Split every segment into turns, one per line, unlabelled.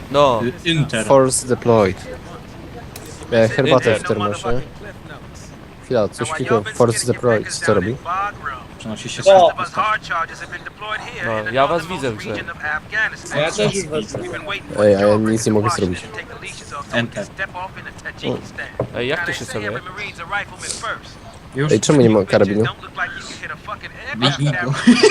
No,
Inter.
Force deployed. Miałem herbatę w termosie. Chwila, coś klikłem. Force deployed. Co robi?
Przenosi się
O!
no, ja was widzę w grze.
A ja też już was
Ej, a ja nic nie mogę zrobić.
Enter.
Ej, jak to się celuje?
Już?
Ej, czemu nie ma karabinu?
Bij go.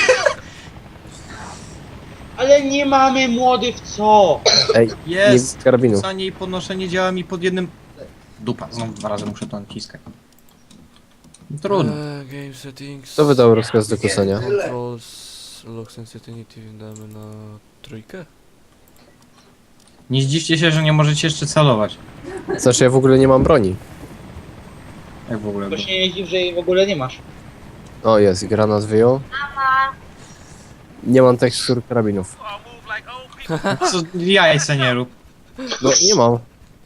Ale nie mamy młody w co?
Ej,
Jest!
nie karabinu.
Rzucanie i podnoszenie działa mi pod jednym... Dupa, znowu 2 razy muszę to naciskać. Trudno.
Game settings.
Kto wydał rozkaz do kusania?
Controls, lock sensitivity damy na trójkę?
Nie zdziwcie się, że nie możecie jeszcze celować.
Znaczy ja w ogóle nie mam broni.
Jak w ogóle.
To się nie dziw, że jej w ogóle nie masz.
O, jest, granat wyjął. Nie mam tekstur karabinów.
Co jaj se nie rób.
No, nie mam.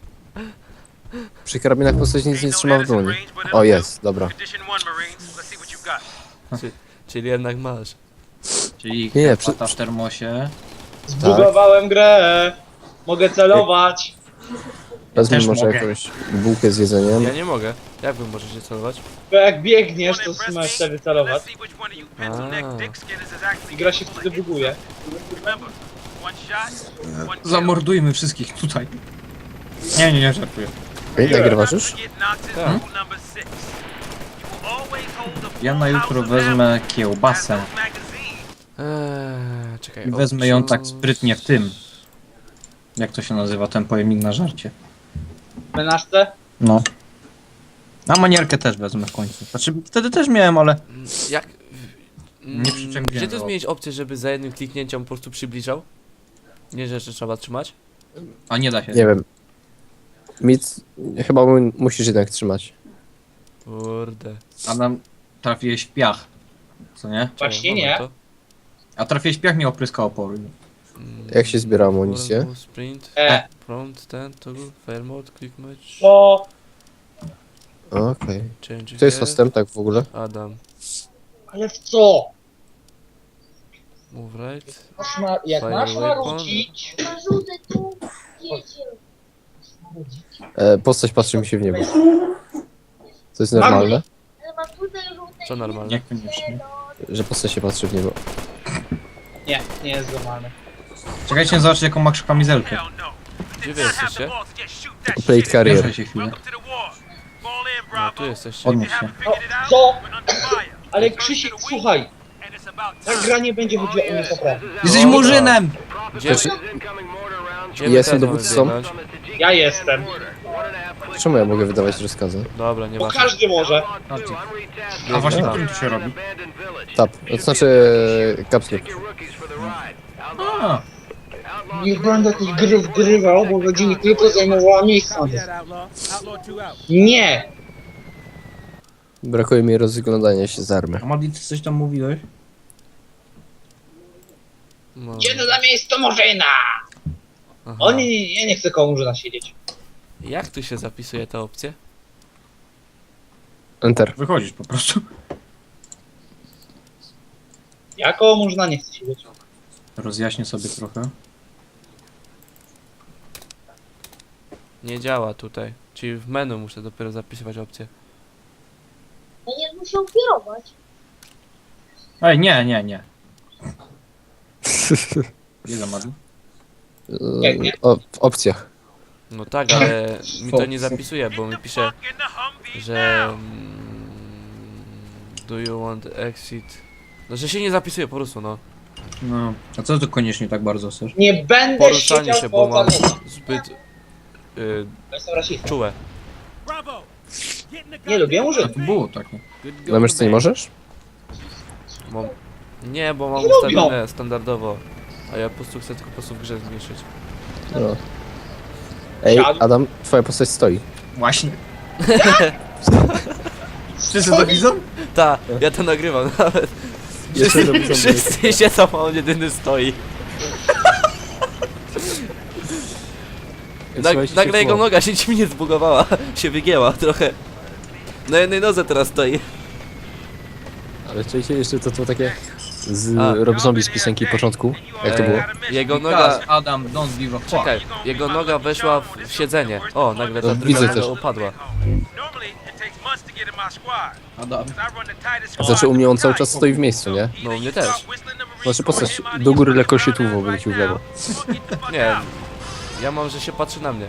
Przy karabinach postać nic nie trzyma w dłoni. O, jest, dobra.
Czyli jednak masz.
Czyli
Nie,
pata w termosie.
Zbugowałem grę. Mogę celować.
Wezmę
Też
może
mogę.
jakąś bułkę z jedzeniem.
Ja nie mogę. Jak wy możecie celować?
Bo jak biegniesz, to masz wtedy celować. I gra się wtedy buguje.
Zamordujmy wszystkich tutaj. Nie, żartuję.
Ej, nagrywasz już?
Tak.
Ja na jutro wezmę kiełbasę.
Czekaj.
I wezmę ją tak
options.
sprytnie w tym. Jak to się nazywa, ten pojemnik na żarcie.
Menażce?
No. A manierkę też wezmę w końcu. Znaczy, wtedy też miałem, ale...
Jak...
Nie przyczepiłem
Gdzie tu
go.
zmienić opcję, żeby za jednym kliknięciem po prostu przybliżał? Nie, że jeszcze trzeba trzymać?
A nie da się.
Nie wiem. Mit, chyba musisz jednak trzymać.
Kurde.
Adam, trafiłeś w piach. Co nie?
Właśnie
Czekaj,
nie.
moment,
A trafiłeś w piach, mi opryskał opory.
Jak się zbiera amunicję?
Warm Sprint, prompt, ten, toggle, fire mode, click match,
To...
Okej.
change
To jest
gear,
hostem, tak w ogóle?
Adam,
Ale w co?
move right,
Jak
Fire
masz
weapon.
narucić...
Narzucę tu, wiecie.
Postać patrzy mi się w niebo. To jest normalne?
Ale mam tutaj żółte
co normalne?
Niekoniecznie.
Że postać się patrzy w niebo.
Nie, nie jest normalny.
Czekajcie, zobaczcie jaką masz kamizelkę.
Gdzie wy jesteście?
Plate carrier.
Proszę się chwilę.
No, tu jesteście.
Podnieś się.
No, co? Ale Krzysiek, słuchaj. Ta gra nie będzie chodziła o mnie naprawdę.
Jesteś murzynem!
Gdzie,
Znaczy-
gdzie my
Jestem
teraz mamy
dowódcą.
biegnąć?
Ja jestem.
Czemu ja mogę wydawać rozkazy?
Dobra, nie
Bo
ma.
każdy może.
A właśnie,
tam.
którym to się robi?
Tap. To znaczy... Kapslik.
A,
Nie będę tej gry wgrywał, bo będzie mi tylko zajmowała miejsca. Nie!
Brakuje mi rozglądania się z army.
a Madi, ty coś tam mówiłeś?
No.
Gdzie za miejsce Murzyna?
Aha.
O nie, ja nie chcę koło Murzyna siedzieć.
Jak tu się zapisuje te opcje?
Enter.
Wychodzisz po prostu.
Ja koło Murzyna nie chcę siedzieć.
Rozjaśnię sobie trochę.
Nie działa tutaj. Czyli w menu muszę dopiero zapisywać opcje.
Będziesz musiał kierować.
Ej, nie. Ile Madi?
W opcjach.
No tak, ale mi to nie zapisuje, bo mi pisze, że do you want exit? No, że się nie zapisuje po prostu, no.
No. A co ty koniecznie tak bardzo chcesz?
Nie będę
Poruszanie
siedział
się,
koło
bo mam
panu.
zbyt
Jestem rasistą.
czułe.
Nie lubię
A
Murzynów.
to było takie.
Na myszce nie możesz?
Mam... Nie, bo mam
Nie lubią.
ustawione standardowo. A ja po prostu chcę tylko po prostu w grze zmniejszyć.
No. Ej,
Siadł.
Adam, twoja postać stoi.
Właśnie. Wszyscy to widzą?
Ta, ja to nagrywam nawet.
Jeszcze robię
Wszyscy siedzą, a on jedyny stoi. Nagle jego noga się dziwnie zbugowała. Się wygięła trochę. Na jednej nodze teraz stoi.
Ale czujcie jeszcze to takie... Z
A.
Rob Zombie z piosenki początku. Jak to było?
Jego noga...
Because Adam, don't give a fuck.
Czekaj, jego noga weszła w siedzenie. O, nagle ta
No,
druga
widzę
noga
też.
upadła.
Adam.
Znaczy u mnie on cały czas stoi w miejscu, nie?
No, u mnie też.
Znaczy postać do góry lekko się tu obrócił w lewo.
Nie, ja mam, że się patrzy na mnie.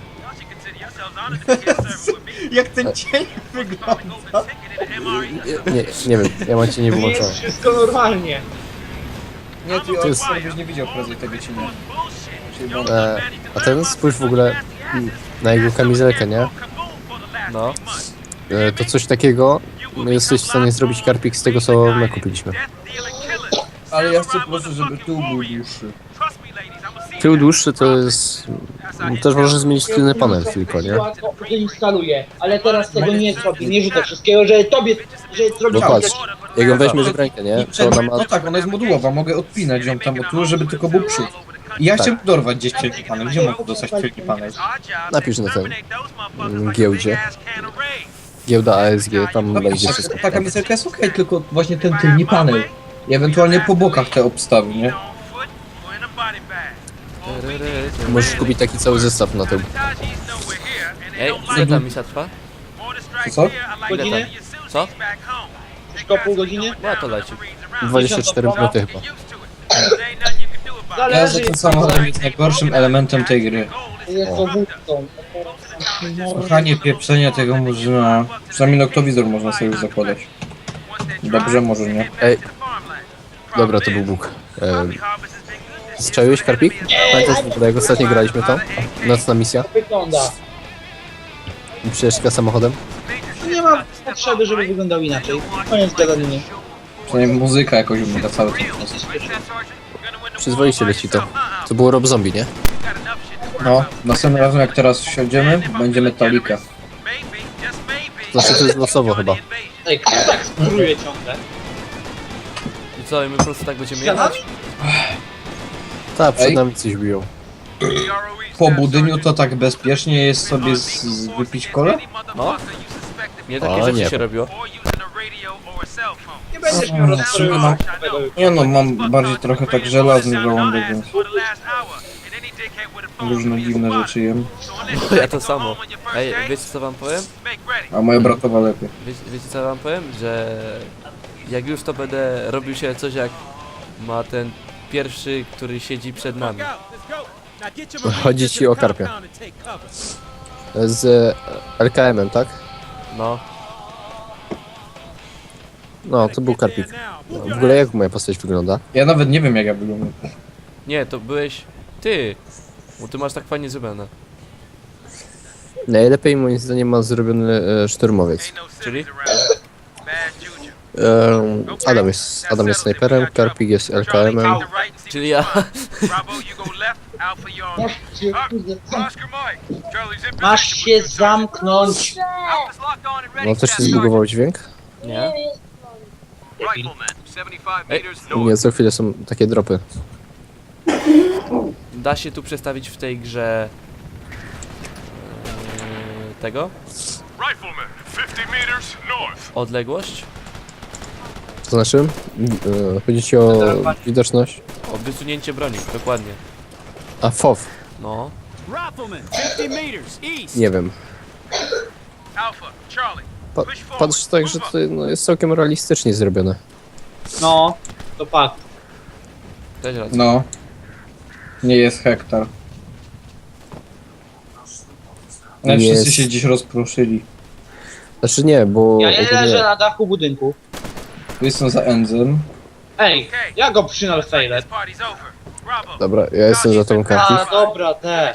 Jak ten cień wygląda.
Nie wiem, ja mam cię nie
Tu
wyłączony.
jest wszystko normalnie.
Nie, ty
To jest-
byś nie widział prędzej tego cienia. Czyli bo-
A ten spójrz w ogóle na jego kamizelkę, nie?
No.
To coś takiego jesteś w stanie zrobić karpik z tego, co my kupiliśmy.
Ale ja chcę po prostu, żeby tył był dłuższy.
Tył dłuższy to jest... Też możesz zmienić tylny panel tylko, nie?
Łatwo instaluję, ale teraz tego nie zrobię, nie rzucę wszystkiego, że tobie, że zrobię
No patrz, jak ją weźmiesz w rękę, nie? To ona ma...
No tak, ona jest modułowa, mogę odpinać ją tam od tyłu, żeby tylko był przód. I ja chciałem dorwać gdzieś tylny panel. Gdzie mogę dostać tylny panel?
Napisz na ten giełdzie. Giełda ASG, tam
No,
będzie wszystko.
ta kamizelka jest okej, tylko właśnie ten tylny panel. I ewentualnie po bokach te obstawy, nie?
Możesz kupić taki cały zestaw na tył.
Ej, ile ta misja trwa?
Co?
Godzinę?
Co?
Wszystko pół godziny?
No to leci.
24 minuty chyba.
Ja
Zależy,
za ten samochodem jest najgorszym elementem tej gry.
jest dowódcą.
Słuchanie pieprzenia tego murzyna. Przynajmniej noktowizor można sobie już zakładać. Dobrze, może nie.
Ej, dobra, to był Bóg. Strzeliłeś karpik? Pamiętasz w ogóle jak ostatnio graliśmy to? Nocna misja?
Wygląda.
Przejeżdżka samochodem?
Nie ma potrzeby, żeby wyglądał inaczej. Koniec gadania.
Przynajmniej muzyka jakoś umiera cały czas.
Przyzwoicie leci to. To było Rob Zombie, nie?
No, następnym razem jak teraz siądziemy, będzie Metallica.
Znaczy to jest losowo chyba.
Ej, kto tak skruje ciągle?
I co, i my po prostu tak będziemy
Ścianami?
jechać?
Tak, przed
Ej.
nami coś biją.
Po budyniu to tak bezpiecznie jest sobie wypić kolę?
No. Nie takie
O,
rzeczy
nie.
się robiło.
Nie będziesz miał rozstroju.
Nie no, mam bardziej trochę tak żelazny żołądek, więc różne dziwne rzeczy jem.
Ja to samo. Ej, wiecie co wam powiem?
A moja bratowa lepiej.
Wiecie co wam powiem? Że jak już to będę robił się coś jak ma ten pierwszy, który siedzi przed nami.
Chodzi ci o karpia. Z LKM-em, tak?
No.
No, to był karpik. W ogóle jak moja postać wygląda?
Ja nawet nie wiem jak ja wyglądam.
Nie, to byłeś ty. Bo ty masz tak fajnie zrobione.
Najlepiej moim zdaniem ma zrobiony szturmowiec.
Czyli?
Adam jest snajperem, karpik jest LKM-em.
Czyli ja.
Masz się zamknąć.
No też się zbugował dźwięk?
Nie?
Nie, co chwilę są takie dropy.
Da się tu przestawić w tej grze tego? Odległość?
To znaczy? Chodzi ci o widoczność?
O wysunięcie broni, dokładnie.
A FOV?
No.
Nie wiem. Patrz tak, że to no, jest całkiem realistycznie zrobione.
No, to fakt.
Też racja.
No. Nie jest hektar. Ale
Jest.
wszyscy się gdzieś rozproszyli.
Znaczy nie, bo...
Ja nie
ogólnie-
leżę na dachu budynku.
Jestem za Enzem.
Ej, ja go przynal fejlet.
Dobra, ja jestem za tą karpik.
A, dobra, te.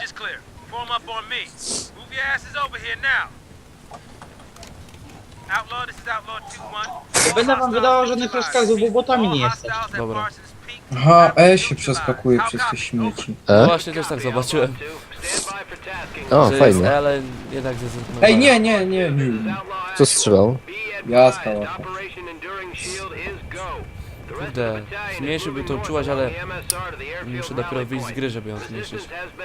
Będę wam wydawał żadnych rozkazów, bo botami nie jesteś.
Dobra.
Aha, się przeskakuje przez te śmieci.
No właśnie też tak zobaczyłem.
O,
że
fajnie.
Jest, ale jednak zrezygnowałem.
Ej, nie.
Kto strzelał?
Ja skałam.
Kurde, zmniejszyłby tą czułaś, ale muszę dopiero wyjść z gry, żeby ją zmniejszyć.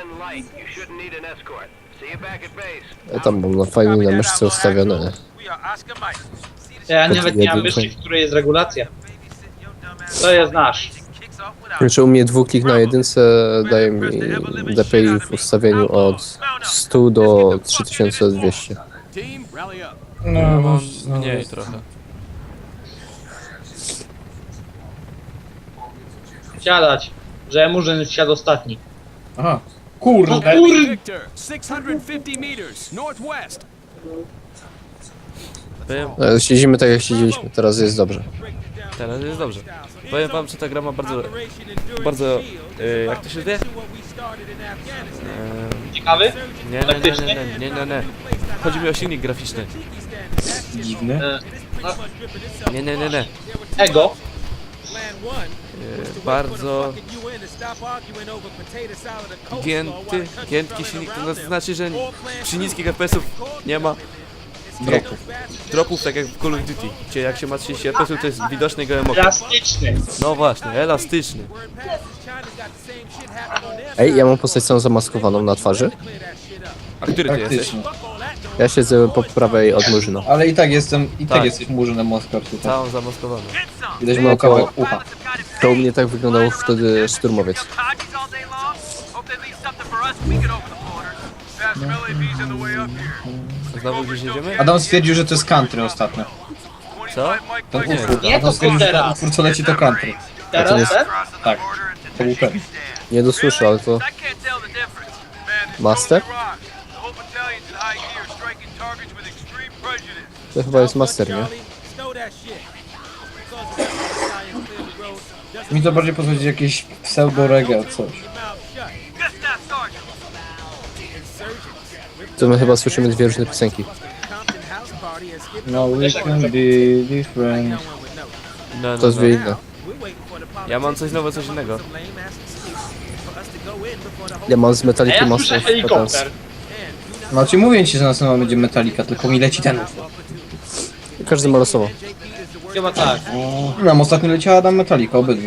Ja tam mam fajnie na myszce ustawione.
Ja nawet nie mam
jeden
myszki, w której jest regulacja. To jest nasz.
Znaczy u mnie dwuklik na jedynce daje mi DPI w ustawieniu od 100 do 3200.
No,
Mam
no,
mniej trochę.
Siadać. Że Murzyn wsiadł ostatni.
Aha.
O
Kurde.
kurde!
Victor, 650 meters northwest.
Powiem,
Siedzimy tak jak siedzieliśmy, teraz jest dobrze.
teraz jest dobrze. Powiem wam, że ta gra ma bardzo, jak to się wie?
Ciekawy?
Nie. Chodzi mi o silnik graficzny.
Dziwne.
Nie.
Ego.
Bardzo giętki silnik, to znaczy, że przy niskich FPS-ów nie ma dropów tak jak w Call of Duty, gdzie jak się ma 30 FPS-ów to jest widoczny gołym okiem.
Elastyczny.
No właśnie, elastyczny.
Ej, ja mam postać całą zamaskowaną na twarzy.
A który ty jesteś?
Praktycznie.
Ja siedzę po prawej od Murzyna.
Ale i tak jestem,
Tak.
jesteś murzynem Moskwa tutaj.
Całą zamaskowaną.
Widać
No
moją
to-
kawałek ucha.
To u mnie tak wyglądał wtedy szturmowiec.
Znowu gdzieś jedziemy?
Adam stwierdził, że to jest country ostatnio.
Co?
Ten
Nie.
utwór.
Nie,
Adam
to
stwierdził, że ten
teraz.
utwór co leci to country.
Teraz
jest-
ten?
Tak. To był ten.
Nie dosłyszę, ale to Master? To chyba jest Master, nie?
Mi to bardziej podchodzi jakieś pseudo-reggae coś.
To my chyba słyszymy dwie różne piosenki.
No we can be different.
No,
To jest dwie inne.
Ja mam coś nowego, coś innego.
Ja mam z
A
Metallica
ja
Master
słyszę
of Puppets.
helikopter.
No ci mówię ci, że następna będzie Metallica, tylko mi leci ten utwór.
Każdy ma losowo.
Chyba tak.
Nam ostatnio leciała Adam Metallica, obydwu.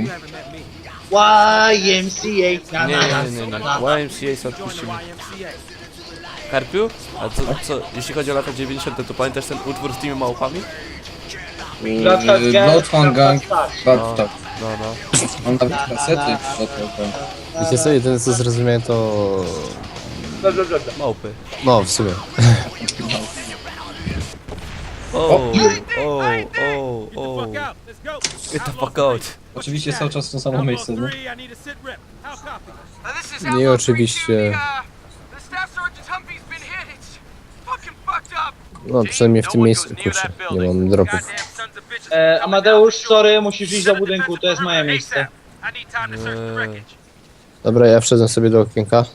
YMCA. Na,
Nie,
na, na,
nie.
na, na.
YMCA sobie odpuścimy. Karpiu? A co, jeśli chodzi o lata 90, to pamiętasz ten utwór z tymi małpami?
Bloodhound Gang,
Tak.
Bad
No.
Mam nawet kasety. Bloodhound Gang.
Wiecie co, jedyne co zrozumiałem to...
Małpy.
No, w sumie.
Oh. Get the fuck out.
Oczywiście cały czas w to samo miejsce, nie?
Nie, oczywiście. No, przynajmniej w tym miejscu, kurczę, nie mam dropów.
Amadeusz, sorry, musisz iść do budynku, to jest moje miejsce.
Dobra, ja wszedłem sobie do okienka.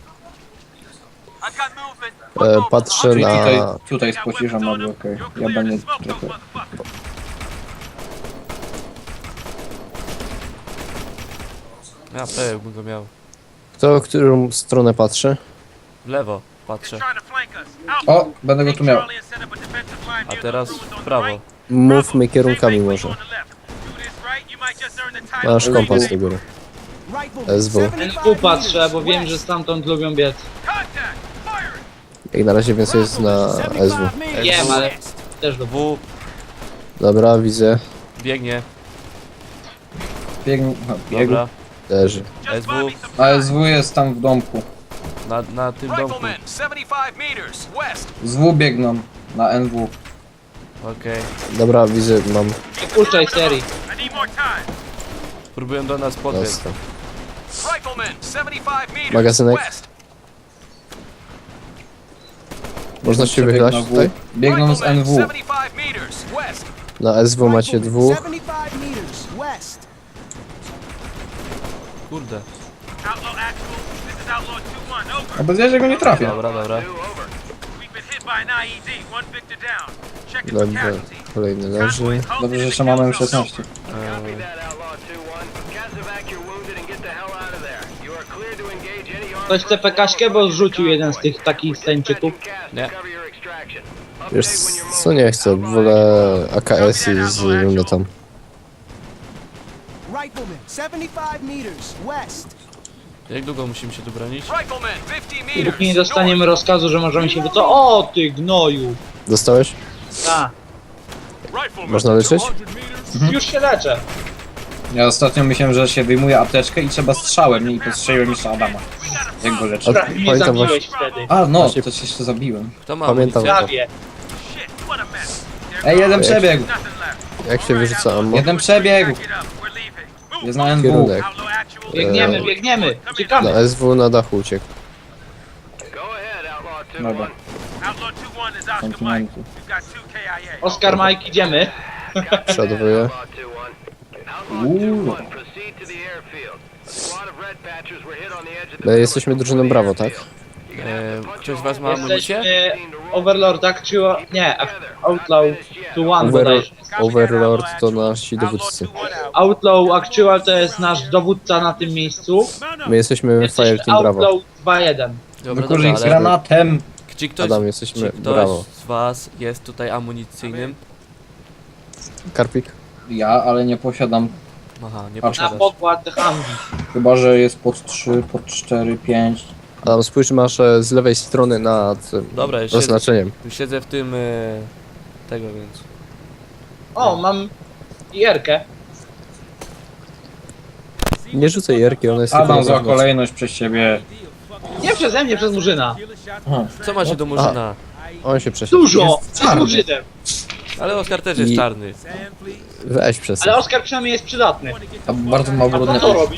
Patrzę
Czyli
na...
tutaj spociszam, ale okej. Ja będę trochę...
Ja pewnie bym go miał.
Kto, w którą stronę patrzy?
W lewo patrzę,
O, będę go tu miał.
a teraz w prawo.
Mówmy kierunkami może. Masz kompas do góry. SW.
NW patrzę, bo wiem, że stamtąd lubią biec.
Jak na razie więcej jest na SW.
Wiem, ale też do
W
Dobra, widzę.
biegnie,
Biegł.
dobra.
Leży.
SW
ASW jest tam w domku.
na tym domku.
75 meters west.
ZW biegną na NW.
Okej.
Dobra, widzę, mam...
Nie puszczaj serii.
Próbują do nas podbiec.
Dostał.
Rifleman, 75 meters
Magazynek.
west.
Można się
Przebieg
wychylać
na W.
tutaj?
Biegną z NW.
75 meters west.
Na SW macie dwóch.
75 meters west.
Kurde.
A bez ja, że go nie trafię.
Dobra.
Dobrze, kolejny leży.
Dobrze, że jeszcze mamy M16.
Ktoś chce PKśkę, bo zrzucił jeden z tych takich stańczyków.
Nie.
Wiesz co, nie chcę, wolę AKS i z lunetą.
Rifleman, 75 meters west.
Jak długo musimy się tu bronić?
Rifleman, 50 meters.
Póki nie dostaniemy rozkazu, że możemy się wycofać. O, ty gnoju!
Dostałeś?
A,
Można leczyć?
już się leczę.
Ja ostatnio myślałem, że się wyjmuje apteczkę i trzeba strzałem, nie? I postrzeliłem jeszcze Adama. Jak go leczy.
A-
Mnie
Pamiętam
zabiłeś wtedy.
A, no,
Właśnie-
to się jeszcze zabiłem.
Kto ma
Pamiętam.
amunicję?
Prawie.
Ej, jeden przebiegł!
Jak się wyrzuca ammo?
Jeden przebiegł! Jest na NW.
Kierunek.
Biegniemy, biegniemy. Uciekamy.
Na SW na dachu uciekł.
Dobra, kontynuanty.
Oskar, Mike, idziemy.
Przeładowuję.
Uuu.
My jesteśmy drużyną Brawo, tak?
Ktoś z was ma amunicję?
Jesteśmy Overlord Actual... Nie, Outlaw to One bodajże.
Overlord to nasi dowódcy.
Outlaw Actual to jest nasz dowódca na tym miejscu.
My jesteśmy
Jesteśmy
Fireteam Brawo.
Outlaw 2-1.
Dobra,
Wykurzyk z
ale
granatem!
czy ktoś,
Adam, jesteśmy
czy ktoś
Brawo.
z was jest tutaj amunicyjnym?
Karpik?
Ja, ale nie posiadam.
Aha, nie
Patrz.
Na
posiadasz.
pokład Humvee.
Chyba, że jest pod 3, pod 4, 5.
Adam, spójrz, masz z lewej strony nad
Dobra, już siedzę,
oznaczeniem.
już siedzę w tym... tego, więc...
O, mam IR-kę.
Nie rzucaj jerki, ona jest tylko
Adam,
na
zła
zewnątrz.
kolejność przez ciebie.
Nie przeze mnie, przez Murzyna.
Aha.
Co macie do Murzyna?
On się przesiadł.
Dużo!
Jest
Z
czarny.
Murzynem.
Ale Oskar też jest
I-
czarny.
Weź przez.
Ale Oskar przynajmniej jest przydatny.
A bardzo mało
A
brudne.
co robi?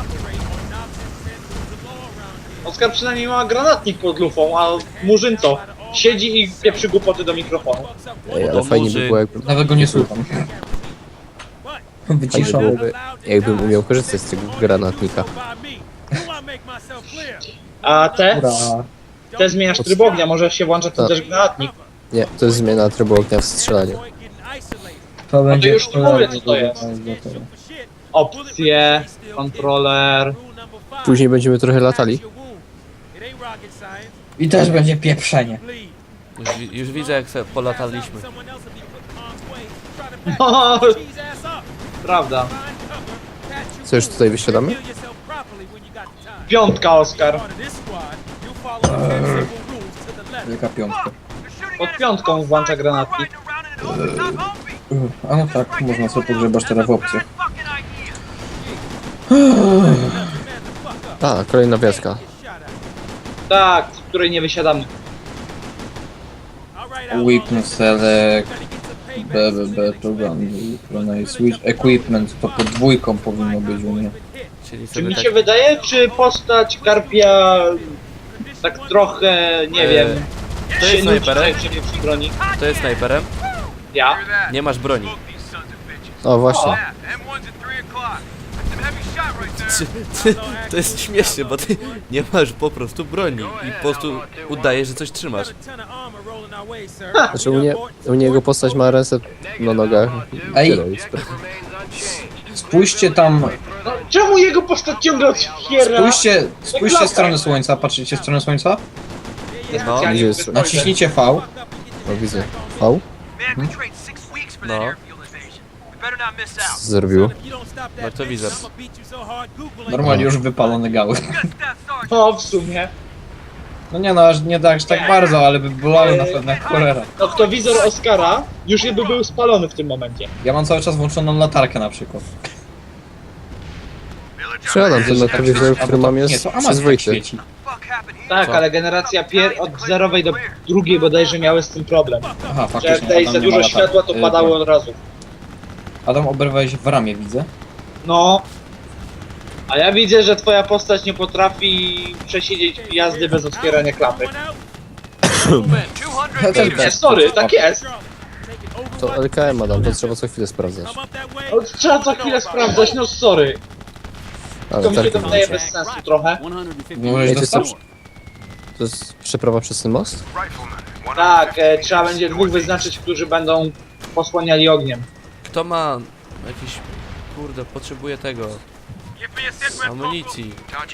Oskar przynajmniej ma granatnik pod lufą, a Murzyn co? Siedzi i pieprzy głupoty do mikrofonu.
Ej, ale fajnie by było,
Nawet go nie słucham.
fajnie
Wyciszam.
byłoby, jakbym umiał korzystać z tego granatnika.
A te
Ura.
zmieniasz tryb ognia, może się włącza tu
Tak.
też granatnik.
Nie, to jest zmiana trybu ognia w strzelaniu.
To będzie
już nie mówię, co to jest.
gotowe.
Opcje, kontroler.
Później będziemy trochę latali.
I też będzie pieprzenie.
Już widzę jak se polataliśmy.
No, prawda.
Co, już tutaj wysiadamy?
Piątka, Oskar.
Wielka piątka.
Pod piątką włącza granatnik.
A no tak, można sobie pogrzebać teraz w opcjach.
A, kolejna wioska.
Tak, z której nie wysiadamy.
Weakness select. Program. Switch equipment. To pod dwójką powinno być u mnie.
Czyli
Czy
sobie
mi
tak...
się wydaje, czy postać Karpia tak trochę, nie wiem,
to
się
jest
nudzi
snajperem?
przy przy broni?
To jest snajperem?
Ja?
Nie masz broni.
O, właśnie.
To jest śmieszne, bo ty nie masz po prostu broni i po prostu udajesz, że coś trzymasz.
Znaczy u niego postać ma reset na nogach.
Ej.
Tyle, i sprawa.
Spójrzcie tam.
No, czemu jego postać ciągle otwiera?
Spójrzcie w stronę słońca. Patrzycie w stronę słońca?
No,
Gdzie jest?
Naciśnijcie V.
O, widzę. O,
no,
co zrobiło?
no to widzę.
Normalnie już wypalone gały.
No, w sumie.
No nie no, aż nie tak, aż tak bardzo, ale by bolały na pewno jak cholera.
No, kto wizor Oskara już by był spalony w tym momencie.
Ja mam cały czas włączoną latarkę na przykład.
Przeładam ten noktowizor, który mam
Nie,
jest
to Amazon
przyzwoity.
świeci.
Tak,
Co?
ale generacja od zerowej do drugiej bodajże miały z tym problem.
Aha,
Że
faktycznie.
jak tutaj
Adam
za
nie ma
dużo
latarki.
światła, to padało od razu.
Adam, oberwałeś w ramię, widzę.
No. A ja widzę, że twoja postać nie potrafi przesiedzieć jazdy bez otwierania klapy. Nie, sorry, tak jest.
To LKM, Adam, to trzeba co chwilę sprawdzać.
No, trzeba co chwilę sprawdzać, no sorry.
Ale
To mi się
tak,
to wydaje bez sensu trochę.
Możesz
Ej, to jest,
dostać?
to jest przeprawa przez ten most?
Tak, trzeba będzie dwóch wyznaczyć, którzy będą posłaniali ogniem.
Kto ma jakiś... Kurde, potrzebuje tego... amunicji.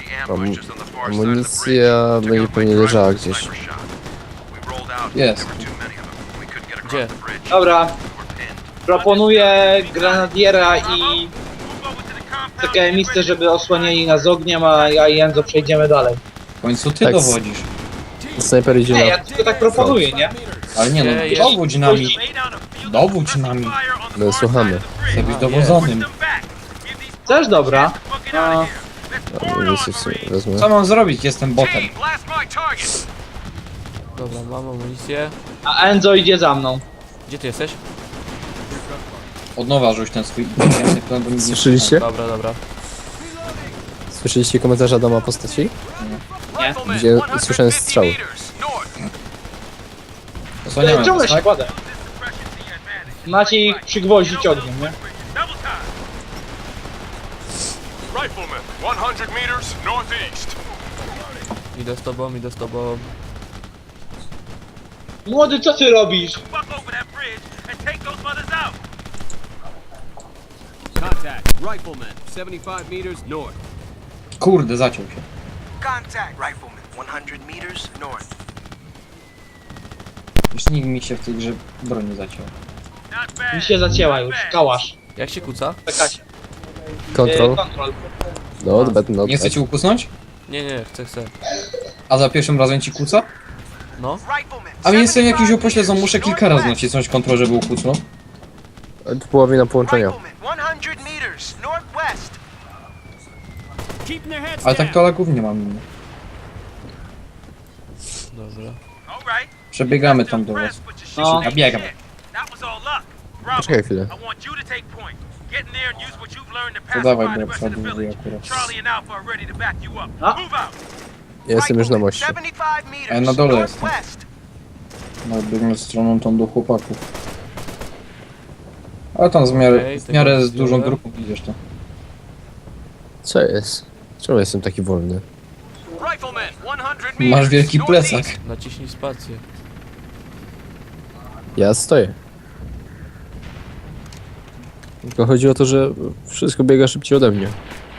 Amunicja będzie pewnie leżała gdzieś.
Jest.
Gdzie?
Dobra. Proponuję granadiera i takie miejsce, żeby osłaniali nas ogniem, a ja i Enzo przejdziemy dalej.
W końcu ty
Tak.
dowodzisz.
Snajper idzie
Nie,
na...
ja tylko tak proponuję, nie?
Ale nie
Ej,
no, dowódź nami. Dowódź nami.
My słuchamy.
Chcę być dowodzonym.
Też dobra. A,
Amunicję w sumie wezmę.
Co mam zrobić? Jestem botem.
Team, blast my target.
Dobra, mam amunicję.
a Enzo idzie za mną.
Gdzie ty jesteś?
Od nowa rzuć ten swój inteligentny plan, bo nic nie
Słyszeliście?
Dobra, dobra.
Słyszeliście komentarz Adama postaci?
Rifleman,
Gdzie
150
słyszałem strzały.
meters north.
Osłaniamy
Ciągle
was,
się
tak?
kładę. Macie ich przygwoździć ogniem, nie?
Rifleman, 100 meters northeast.
Idę z tobą, idę z tobą.
Młody, co ty robisz?
Fuck over that bridge and take those mothers out. Contact, Rifleman, 75 meters north.
Kurde, zaciął się.
Contact, Rifleman, 100 meters north.
Już nikt mi się w tej grze broni zaciął.
Not bad.
Mi się zacięła już, kałasz.
Jak się kuca?
Czekacie.
Control.
Kontrol.
Not bad, not
Nie
bad.
chcecie ukusnąć?
Nie, chcę.
A za pierwszym razem ci kuca?
No.
Rifleman,
A mnie jestem jakiś
75
upośledzony, muszę
meters
kilka razy
northwest.
nacisnąć kontrol, żeby ukucnął.
Połowina połączenia.
Rifleman, 100 meters northwest. Keeping their heads
Ale tak to lagów nie mam innych.
Dobra.
All right.
Przebiegamy tam do was.
No.
Ja biegam.
That was all luck. Bravo.
Poczekaj chwilę.
I want you to take point. Get in there and use what you've learned to
To dawaj,
pacify
bo
the rest of the
przodu
village.
akurat.
Charlie and Alpha are ready to back you up.
A?
Move out.
Ja jestem już na moście.
75 meters
A ja na dole jestem.
northwest.
No, biegnę stroną tą do chłopaków. Ale tam
Okej,
w miarę
tego
z dużą
zdjąłem.
grupą idziesz to.
Co jest? Czemu jestem taki wolny?
Rifleman, 100 meters
Masz wielki
northeast.
plecak.
Naciśnij spację.
Ja stoję. Tylko chodzi o to, że wszystko biega szybciej ode mnie.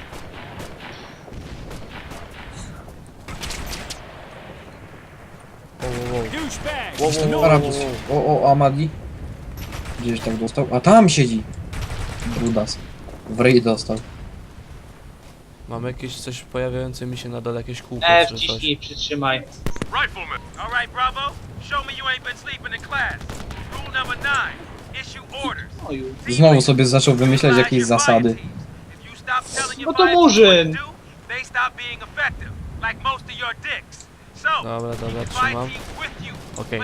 Arabus. O, Amadi. Gdzieś tak dostał. A tam siedzi. Brudas. W ryj dostał.
Mam jakieś coś pojawiające mi się na dole, jakieś kółko
E,
czy coś.
wciśnij, przytrzymaj.
Rifleman. All right, Bravo. Show me you ain't been sleeping in class. Rule number 9. Issue orders.
No już.
Znowu sobie zaczął wymyślać jakieś zasady.
No to Murzyn.
Dobra, trzymam. Okej.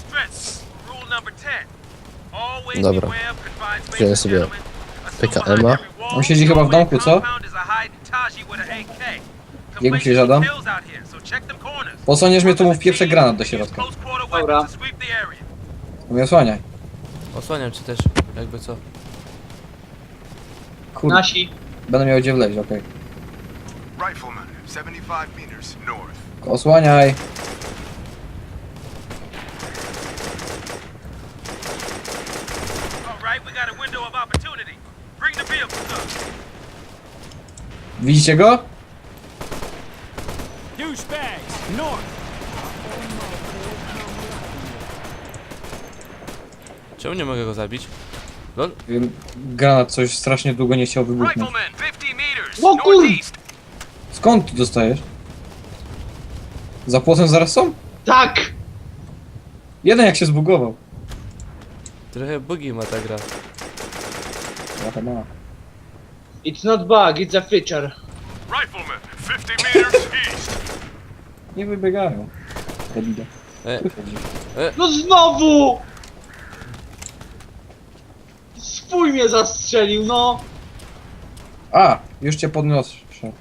Dobra. Wziąłem sobie PKM-a.
On siedzi chyba w domku, co? Jak myślisz, Adam? Posłaniesz mnie, to mów pierwszy granat do środka.
Dobra.
No mnie osłaniaj.
Osłaniam cię też, jakby co.
Kurde,
Nasi.
będę miał gdzie wleźć, okej.
Rifleman, 75 meters north.
Osłaniaj.
All right, we got a window of opportunity. Bring the vehicles up.
Widzicie go?
Douchebags, north.
Czemu nie mogę go zabić? Lol?
Granat coś strasznie długo nie chciał wybuchnąć.
Rifleman, 50 meters
O kur-
northeast.
Skąd ty dostajesz? Za płotem zaraz są?
Tak!
Jeden jak się zbugował.
Trochę bugi ma ta gra.
Trochę ma.
It's not bug, it's a feature.
Rifleman, 50 meters east.
Nie wybiegają. Debile.
E.
Tu siedzi.
No znowu! Swój mnie zastrzelił, no!
A, już cię podniosę.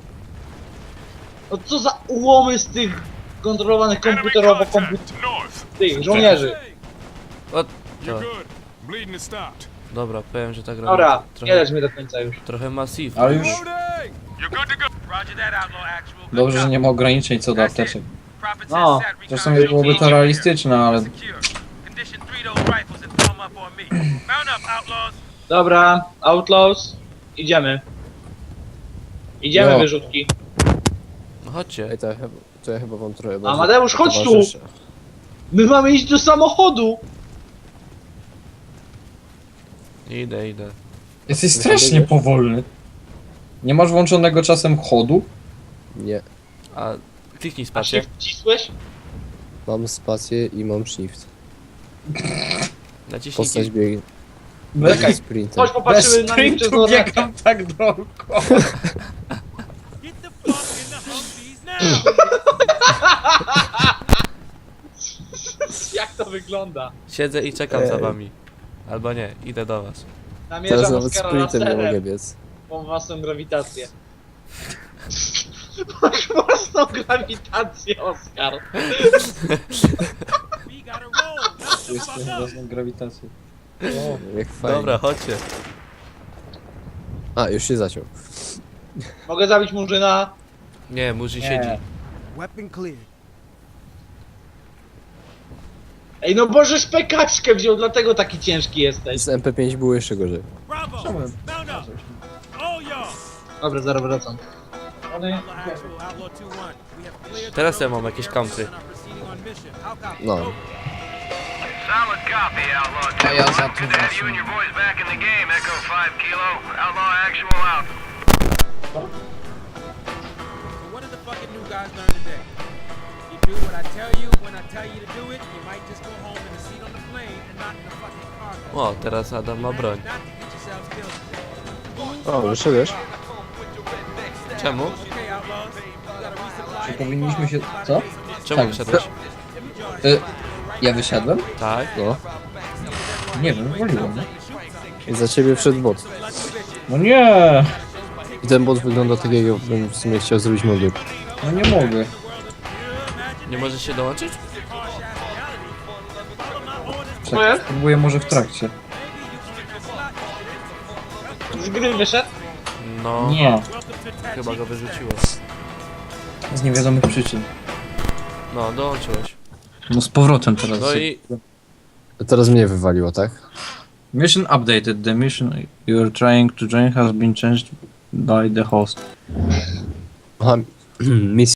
No co za ułomy z tych kontrolowanych komputerowo
North.
tych żołnierzy.
O, to.
good. Bleeding has stopped.
Dobra, powiem, że ta gra
Dobra,
ma
nie
trochę,
lecz mnie do końca już.
trochę massive.
Ale już
You're good to go. Roger that, outlaw actual. Good
dobrze, że
copy.
nie ma ograniczeń co do apteczek.
Prophet says
No,
Sat
Zresztą
recon
byłoby to realistyczne, ale
secure. Condition 3 those rifles and throw 'em up on me. Mount up, outlaws.
Dobra, Outlaws, idziemy. Idziemy
Jo.
wyrzutki.
No chodźcie.
Ej, to ja chyba wam trochę
Amadeusz, chodź tu!
towarzyszę.
My mamy iść do samochodu!
Idę.
jesteś strasznie powolny. Nie masz włączonego czasem chodu?
Nie.
A kliknij
A
spację.
się wcisłeś?
Mam spację i mam shift.
Naciśnij
Postać biegnie.
Czekaj,
Sprintem.
chodź popatrzymy na nich przez lornetkę.
biegam tak dookoła.
Get the fuck in the Humvees now!
Jak to wygląda?
Siedzę i czekam za wami. Albo nie, idę do was.
Teraz
Namierzam
nawet
Oskara
sprintem nie mogę
laserem.
biec.
Mam własną grawitację. Masz własną grawitację, Oskar.
We gotta roll! Now the fuck up!
Własną grawitację.
Jak fajnie.
Dobra, chodźcie.
A, już się zaciął.
Mogę zabić Murzyna?
Nie, Murzy
Nie.
siedzi.
Weapon cleared.
Ej, no Boże, szpekaczkę wziął, dlatego taki ciężki jesteś.
Z MP5 było jeszcze gorzej.
Bravo! Mount up! All y'all!
Dobra, zaraz wracam.
Actual Outlaw 2-1. We have cleared
Teraz
the
ja mam jakieś country.
and are proceeding on mission. How copy?
No.
Solid copy, Outlaw 2.
ja za
Good to have you and your boys back in the game, Echo 5 Kilo. Outlaw actual out.
So what did the fucking new guys learn today? You do what I tell you when I tell you to do it. You might just go home in a seat on the plane and not in a fucking cargo.
O, teraz Adam ma broń.
Not to get yourselves killed.
O, wyszedłeś?
Czemu?
Okay, outlaws. You gotta resupply.
Powinniśmy się... Co?
Czemu
Tak.
wyszedłeś?
Ja wysiadłem?
Tak?
No.
Nie wiem, woliłem.
Za ciebie wszedł bot.
No nie!
I ten bot wygląda tak, jakbym w sumie chciał zrobić modyl.
No nie mogę.
Nie możesz się dołączyć?
Czekaj, spróbuję może w trakcie.
Z gry wyszedł?
No,
Nie.
chyba go wyrzuciło.
Z niewiadomych przyczyn.
No, dołączyłeś.
No z powrotem teraz.
No i
Teraz mnie wywaliło, tak?
Mission updated. The mission you are trying to join has been changed by the host.
Aha, misja